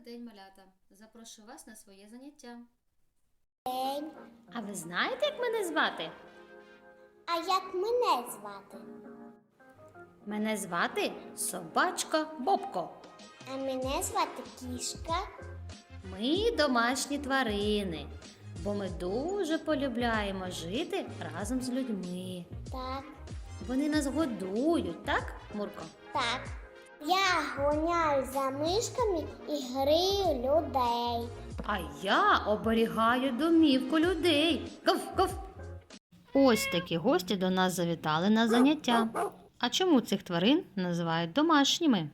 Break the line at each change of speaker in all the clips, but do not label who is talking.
день, малята! Запрошую вас на своє заняття.
День.
А ви знаєте, як мене звати?
А як мене звати?
Мене звати собачка Бобко.
А мене звати Кішка.
Ми домашні тварини, бо ми дуже полюбляємо жити разом з людьми.
Так,
Вони нас годують, так, Мурко?
так. Я гоняю за мишками і грію людей.
А я оберігаю домівку людей. Ков-ков! Ось такі гості до нас завітали на заняття. А чому цих тварин називають домашніми?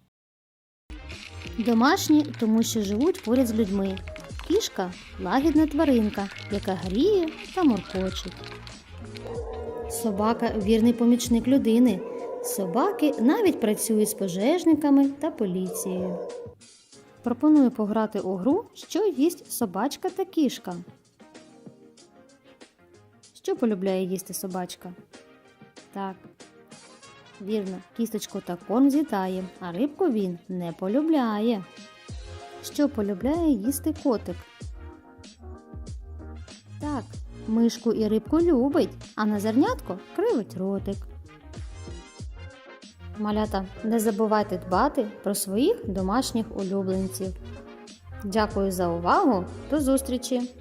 Домашні, тому що живуть поряд з людьми. Кішка – лагідна тваринка, яка гріє та муркочить. Собака – вірний помічник людини. Собаки навіть працюють з пожежниками та поліцією. Пропоную пограти у гру «Що їсть собачка та кішка». Що полюбляє їсти собачка? Так, вірно, кісточку та корм з'їдає, а рибку він не полюбляє. Що полюбляє їсти котик? Так, мишку і рибку любить, а на зернятко кривить ротик. Малята, не забувайте дбати про своїх домашніх улюбленців. Дякую за увагу, до зустрічі!